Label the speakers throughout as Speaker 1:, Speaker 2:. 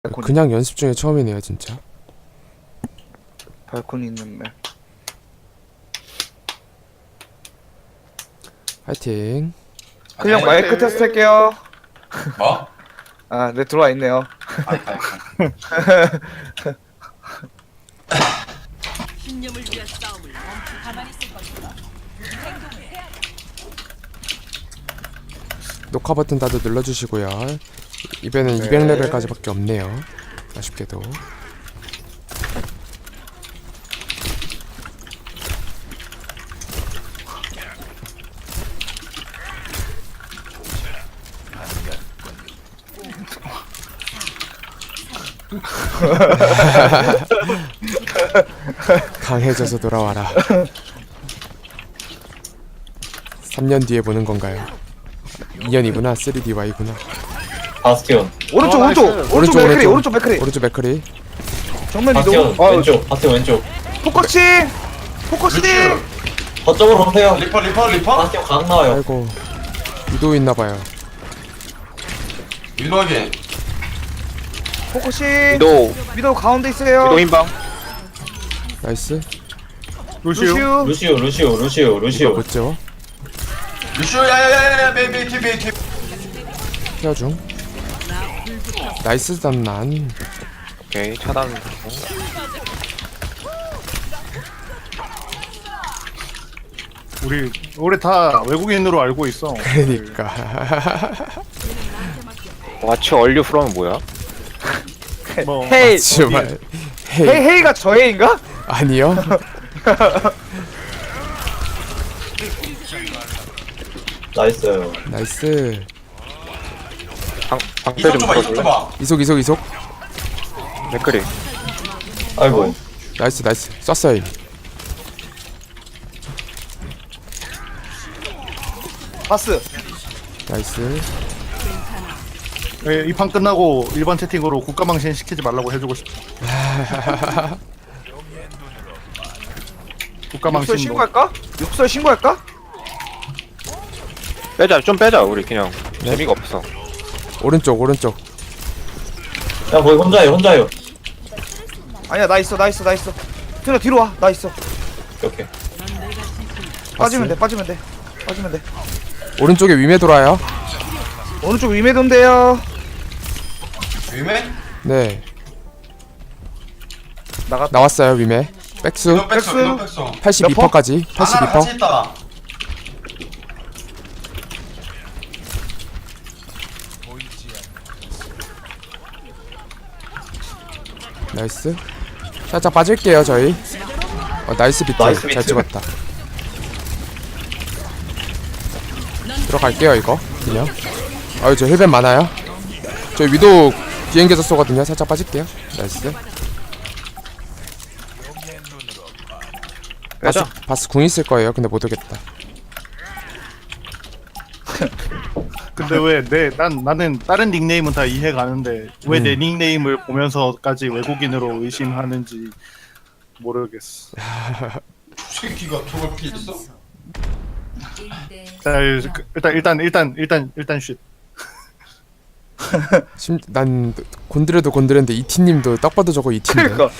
Speaker 1: 그냥 연습 중에 처음이네요 진짜.
Speaker 2: 발코니 있는 맵.
Speaker 1: 화이팅.
Speaker 2: 그냥 마이크 테스트 할게요.
Speaker 3: 뭐?
Speaker 2: 아, 네, 들어와 있네요.
Speaker 4: 신념을 위한 싸움을 멈추 가만히 있을 것이다.
Speaker 1: 녹화 버튼 다들 눌러주시고요. 이번엔
Speaker 2: 네.
Speaker 1: 200레벨까지밖에 없네요. 아쉽게도. 강해져서 돌아와라. 3년 뒤에 보는 건가요? 2년이구나. 3DY구나.
Speaker 3: 바스티온.
Speaker 2: 오른쪽, 오른쪽, 오른쪽 맥크리, 오른쪽 맥크리.
Speaker 1: 오른쪽 맥크리.
Speaker 2: 정면
Speaker 3: 바스티온
Speaker 2: 이동.
Speaker 3: 왼쪽. 바스티온 왼쪽.
Speaker 2: 포커싱, 포커싱.
Speaker 3: 거점으로 오세요.
Speaker 5: 리퍼
Speaker 3: 바스티온 강 나와요.
Speaker 1: 아이고. 유도 있나봐요.
Speaker 5: 일로하게
Speaker 2: 포커싱.
Speaker 6: 위도우
Speaker 2: 미도 가운데 있어요.
Speaker 6: 위도우 인방
Speaker 1: 나이스.
Speaker 2: 루시우.
Speaker 3: 루시오.
Speaker 1: 못죠.
Speaker 5: 루시오 야야야야 베이비
Speaker 1: 케어 중. 나이스 단난.
Speaker 6: 오케이 차단
Speaker 7: 우리 다 외국인으로 알고 있어.
Speaker 1: 그러니까.
Speaker 6: 와치 얼류 프롬은 뭐야?
Speaker 7: 뭐
Speaker 2: 헤이.
Speaker 1: 정말. 헤이.
Speaker 2: 헤이가 저 헤이인가?
Speaker 1: 아니요.
Speaker 3: 나이스.
Speaker 1: 나이스.
Speaker 6: 방패
Speaker 5: 이속
Speaker 6: 좀
Speaker 5: 줘봐 이속
Speaker 6: 풀어줄래?
Speaker 5: 줘봐
Speaker 1: 이속.
Speaker 6: 맥크리
Speaker 3: 아이고.
Speaker 1: 나이스. 쐈어요 이미.
Speaker 2: 바스.
Speaker 1: 나이스.
Speaker 7: 이 판 끝나고 일반 채팅으로 국가망신 시키지 말라고 해주고 싶어.
Speaker 2: 육설
Speaker 7: 국가망신
Speaker 2: 신고할까? 육설 신고할까?
Speaker 6: 좀 빼자 우리 그냥 재미가 없어.
Speaker 1: 오른쪽.
Speaker 3: 야 거기 혼자요.
Speaker 2: 아니야, 나 있어. 들어 뒤로 와. 나 있어.
Speaker 3: 오케이.
Speaker 2: 빠지면 돼.
Speaker 1: 오른쪽에 위메 돌아요.
Speaker 2: 오른쪽 위메돈데요.
Speaker 5: 위메?
Speaker 1: 네.
Speaker 2: 나갔다.
Speaker 1: 나왔어요 위메. 백수.
Speaker 5: 이거 백서
Speaker 1: 82%까지.
Speaker 5: 하나 같이
Speaker 1: 82%.
Speaker 5: 있다
Speaker 1: 나이스. 살짝 빠질게요 저희. 나이스 비트.
Speaker 3: 나이스
Speaker 1: 잘
Speaker 3: 비트.
Speaker 1: 찍었다. 들어갈게요 이거 그냥. 저 힐벤 많아요. 저 위도 비행기에서 쏘거든요. 살짝 빠질게요. 나이스.
Speaker 6: 빼자.
Speaker 1: 바스 궁 있을 거예요. 근데 못 오겠다.
Speaker 7: 근데 왜 나는 다른 닉네임은 다 이해 가는데 왜 내 닉네임을 보면서까지 외국인으로 의심하는지 모르겠어.
Speaker 5: 새끼가 저걸 피했어?
Speaker 7: 자, 일단 쉿.
Speaker 1: 난 곤드레도 이티님도 딱 봐도 저거 이티인데.
Speaker 2: 그러니까.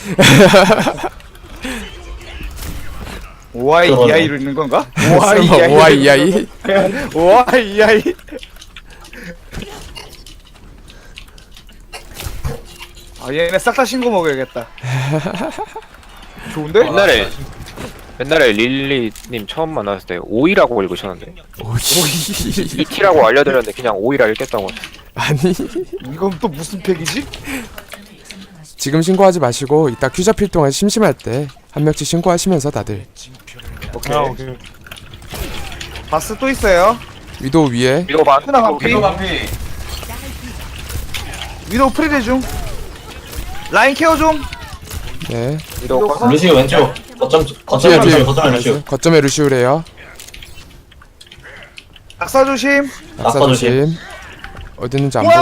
Speaker 2: OIEI로 있는 건가?
Speaker 1: OIEI.
Speaker 2: OIEI. 아, 얘네 싹 다 신고 먹어야겠다. 좋은데?
Speaker 6: 옛날에 릴리님 처음 만났을 때 오이라고 읽으셨는데
Speaker 1: 오이.
Speaker 6: 이티라고 알려드렸는데 그냥 오이라 읽겠다고.
Speaker 1: 아니.
Speaker 2: 이건 또 무슨 팩이지?
Speaker 1: 지금 신고하지 마시고 이따 큐 잡힐 동안 심심할 때 한 명씩 신고하시면서 다들.
Speaker 2: 오케이.
Speaker 7: 오케이.
Speaker 2: 바스 또 있어요.
Speaker 1: 위도 위에.
Speaker 6: 위도우 반.
Speaker 2: 하나 반피.
Speaker 5: 위도 반피
Speaker 2: 위도우 프리드 중. 라인 케어 중.
Speaker 1: 네.
Speaker 6: 위도우 반.
Speaker 3: 루시오 왼쪽. 거점
Speaker 1: 뒤에
Speaker 3: 루시오.
Speaker 1: 거점에 루시우래요.
Speaker 2: 낙사 조심.
Speaker 1: 낙사
Speaker 3: 낙사 조심.
Speaker 1: 조심. 어디 있는지 안 보여.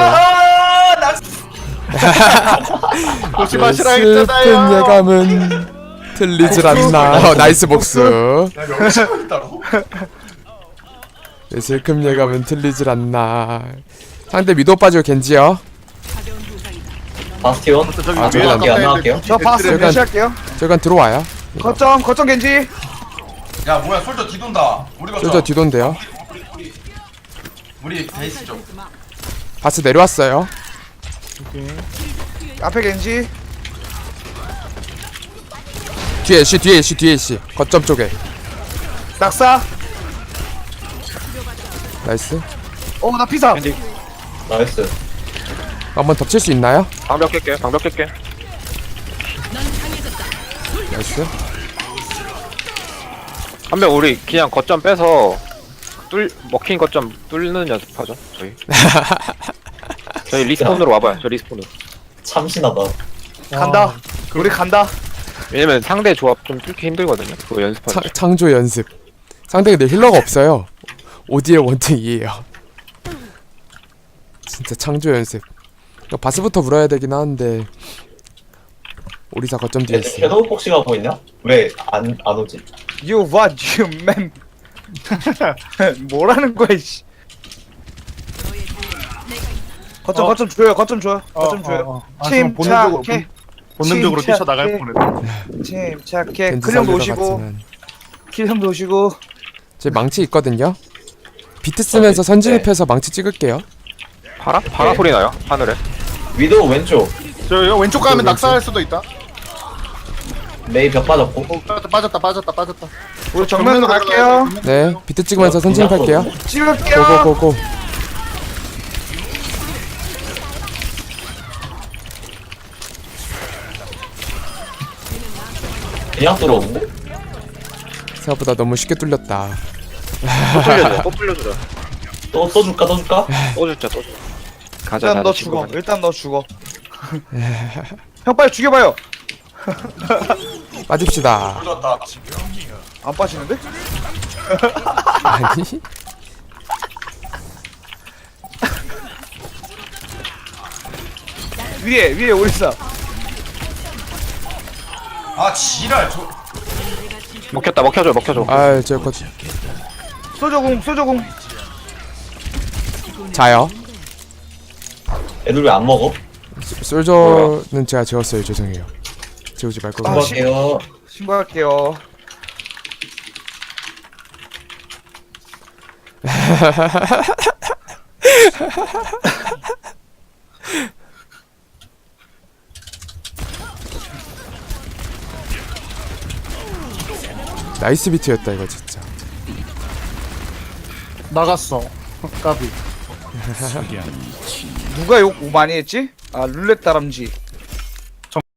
Speaker 7: 조심하시라
Speaker 1: 슬픈
Speaker 7: 했잖아요.
Speaker 1: 예감은 틀리질 않나. 나이스 복수.
Speaker 5: 야 여기 치고 있다고?
Speaker 1: 내 슬픈 예감은 틀리질 않나. 상대 위도 빠지고 겐지요.
Speaker 4: 가벼운 부상이다. 넌
Speaker 3: 바스티온.
Speaker 7: 저기
Speaker 1: 아,
Speaker 7: 위에
Speaker 1: 저기
Speaker 7: 아까
Speaker 3: 안
Speaker 7: 했는데
Speaker 3: 나갈게요.
Speaker 7: 굳이
Speaker 2: 저 바스
Speaker 7: 벤츠를
Speaker 2: 매시할게요.
Speaker 1: 저간 들어와요.
Speaker 2: 거점 겐지.
Speaker 5: 야 뭐야 솔저 뒤돈다. 우리 거점.
Speaker 1: 솔저 뒤돈데요.
Speaker 5: 우리 베이스 쪽.
Speaker 1: 바스 내려왔어요.
Speaker 2: 앞에 겐지.
Speaker 1: 뒤에 애쉬. 거점 쪽에.
Speaker 2: 낙사.
Speaker 1: 나이스.
Speaker 2: 나 피사.
Speaker 3: 나이스.
Speaker 1: 한번 덮칠 수 있나요?
Speaker 6: 방벽 깰게. 방벽 깰게.
Speaker 1: 나이스.
Speaker 6: 한 명 우리 그냥 거점 빼서 먹힌 거점 뚫는 연습하죠. 저희 리스폰으로 와봐요. 저 리스폰으로.
Speaker 3: 참신하다.
Speaker 2: 간다. 우리 간다.
Speaker 6: 왜냐면 상대 조합 좀 뚫기 힘들거든요. 그거 연습하죠.
Speaker 1: 창조 연습. 상대가 내 힐러가 없어요. 오디의 원탱이에요. 진짜 창조 연습. 이거 바스부터 물어야 되긴 하는데 오리사 거점 뒤에 있어.
Speaker 3: 걔도 혹시 가고 있냐? 왜 안 오지?
Speaker 2: You what you man. 뭐라는 거야 씨. 거점 줘요. 거점 줘요. 침착해.
Speaker 7: 본능적으로
Speaker 2: 침착해.
Speaker 7: 뛰쳐나갈 뻔했네.
Speaker 2: 침착해.
Speaker 1: 겐지
Speaker 2: 클령도
Speaker 1: 살리러
Speaker 2: 오시고
Speaker 1: 갔지만.
Speaker 2: 킬형도 오시고.
Speaker 1: 제 망치 있거든요. 비트 쓰면서 선진입해서 망치 찍을게요.
Speaker 6: 파라? 파라 소리 나요? 하늘에.
Speaker 3: 위도우 왼쪽.
Speaker 7: 저 왼쪽 가면 낙사할 수도 있다.
Speaker 3: 메이 벽 빠졌고.
Speaker 7: 빠졌다.
Speaker 2: 우리 정면으로 갈게요.
Speaker 1: 네, 비트 찍으면서 선진입할게요.
Speaker 2: 찍을게요.
Speaker 1: 고고고고.
Speaker 3: 그냥 들어오는데?
Speaker 1: 생각보다 너무 쉽게 뚫렸다.
Speaker 6: 또 뚫려줘. 또 뚫려줘.
Speaker 3: 또 줄까?
Speaker 6: 또 줄자. 또 줄. 가자.
Speaker 2: 일단 너
Speaker 6: 가자,
Speaker 2: 죽어.
Speaker 6: 친구들.
Speaker 2: 일단 너 죽어. 형 빨리 죽여봐요.
Speaker 1: 빠집시다.
Speaker 5: sol졌다.
Speaker 2: 안 빠지는데?
Speaker 1: 아니?
Speaker 2: 위에 오리사.
Speaker 5: 아 지랄.
Speaker 6: 먹혔다. 먹혀줘.
Speaker 1: 아, 저 거.
Speaker 2: 소저공.
Speaker 1: 자요.
Speaker 3: 애들 왜 안 먹어?
Speaker 1: 솔저는 제가 재웠어요. 죄송해요. 재우지 말고.
Speaker 2: 아,
Speaker 3: 수고할게요.
Speaker 2: 신고할게요.
Speaker 1: 나이스 비트였다 이거 진짜.
Speaker 7: 나갔어. 까비.
Speaker 2: 누가 욕 많이 했지? 아 룰렛 다람쥐.